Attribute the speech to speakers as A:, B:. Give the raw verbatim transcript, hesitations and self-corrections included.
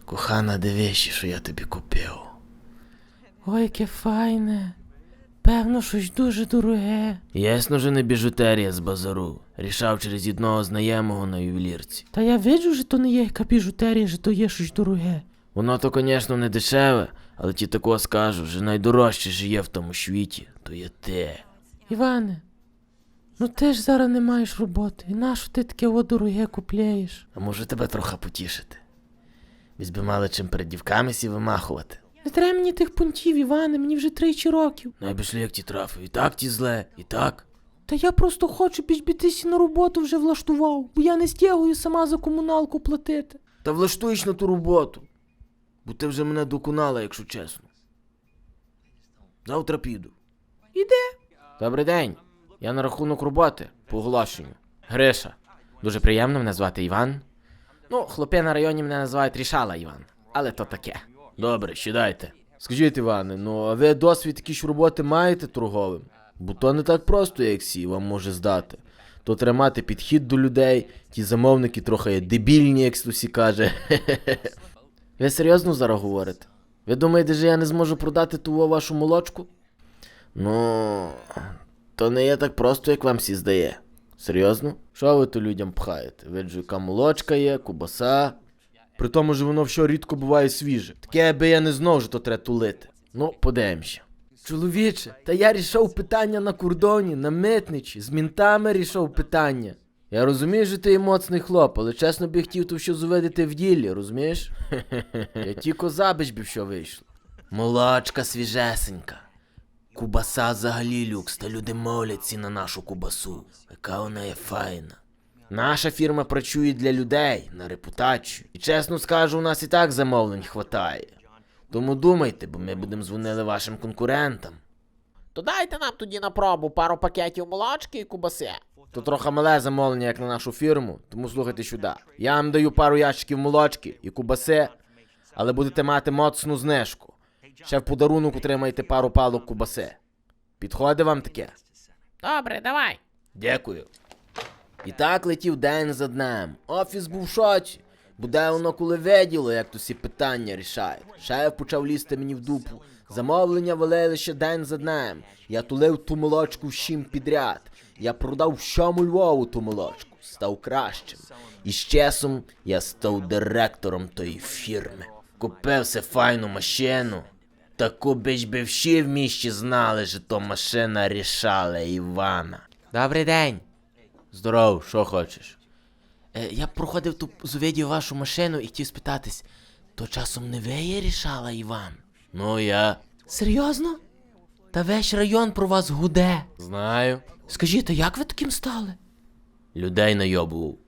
A: Кохана, дивись, що я тобі купив.
B: Ой, яке файне. Певно, щось дуже дороге.
A: Ясно, що не біжутерія з базару. Рішав через одного знайомого на ювелірці.
B: Та я виджу, що то не є яка біжутерія, що то є щось дороге.
A: Воно то, звісно, не дешеве, але ті такого скажу, що найдорожче що є в тому світі, то є те.
B: Іване, ну ти ж зараз не маєш роботи. І нащо ти таке о дороге купляєш?
A: А може тебе трохи потішити? Візь би мали чим перед дівками сі вимахувати.
B: Не треба мені тих пунктів, Іване, мені вже тричі років.
A: Ну, аби шлях ті трафив, і так ті зле, і так.
B: Та я просто хочу, біж би ти сі на роботу вже влаштував, бо я не стягую сама за комуналку платити.
A: Та влаштуєш на ту роботу, бо ти вже мене доконала, якщо чесно. Завтра піду.
B: Іде.
A: Добрий день, я на рахунок роботи, по оголошенню. Гриша. Дуже приємно, мене звати Іван. Ну, хлопи на районі мене називають Рішала Іван, але то таке. Добре, сідайте. Скажіть, Іване, ну а ви досвід якісь роботи маєте торговим? Бо то не так просто, як сі вам може здати. То треба мати підхід до людей, ті замовники трохи є дебільні, як всі каже. Ви серйозно зараз говорите? Ви думаєте, що я не зможу продати ту вашу молочку? Ну, то не є так просто, як вам всі здає. Серйозно? Що ви то людям пхаєте? Виджу, яка молочка є, кубаса. При тому ж воно все рідко буває свіже. Таке, аби я не знав, що то треба тулити. Ну, подивимося. Чоловіче, та я рішав питання на кордоні, на митничі, з мінтами рішав питання. Я розумію, що ти є моцний хлоп, але чесно би хотів то все зуведити в ділі, розумієш? Я тільки забич би що вийшло. Молочка свіжесенька. Кубаса взагалі люкс, та люди моляться на нашу кубасу. Яка вона є файна. Наша фірма працює для людей, на репутацію. І чесно скажу, у нас і так замовлень хватає. Тому думайте, бо ми будемо дзвонили вашим конкурентам.
C: То дайте нам тоді на пробу пару пакетів молочки і кубаси.
A: То трохи мале замовлення, як на нашу фірму, тому слухайте сюди. Я вам даю пару ящиків молочки і кубаси, але будете мати моцну знижку. Ще в подарунок отримаєте пару палок кубаси. Підходить вам таке?
C: Добре, давай.
A: Дякую. І так летів день за днем. Офіс був в шоці. Буде воно коли виділо, як то всі питання рішають. Шеф почав лізти мені в дупу. Замовлення валили ще день за днем. Я тулив ту молочку всім підряд. Я продав всьому Львову ту молочку. Став кращим. І з часом я став директором тої фірми. Купив се файну машину. Таку біч би всі в місті знали, що то машина Рішала Івана. Добрий день. Здоров, що хочеш? Е, я проходив ту зувідів вашу машину і хотів спитатись, то часом не ви є Рішала Іван? Ну, я.
B: Серйозно? Та весь район про вас гуде.
A: Знаю.
B: Скажіть, а як ви таким стали?
A: Людей найобував.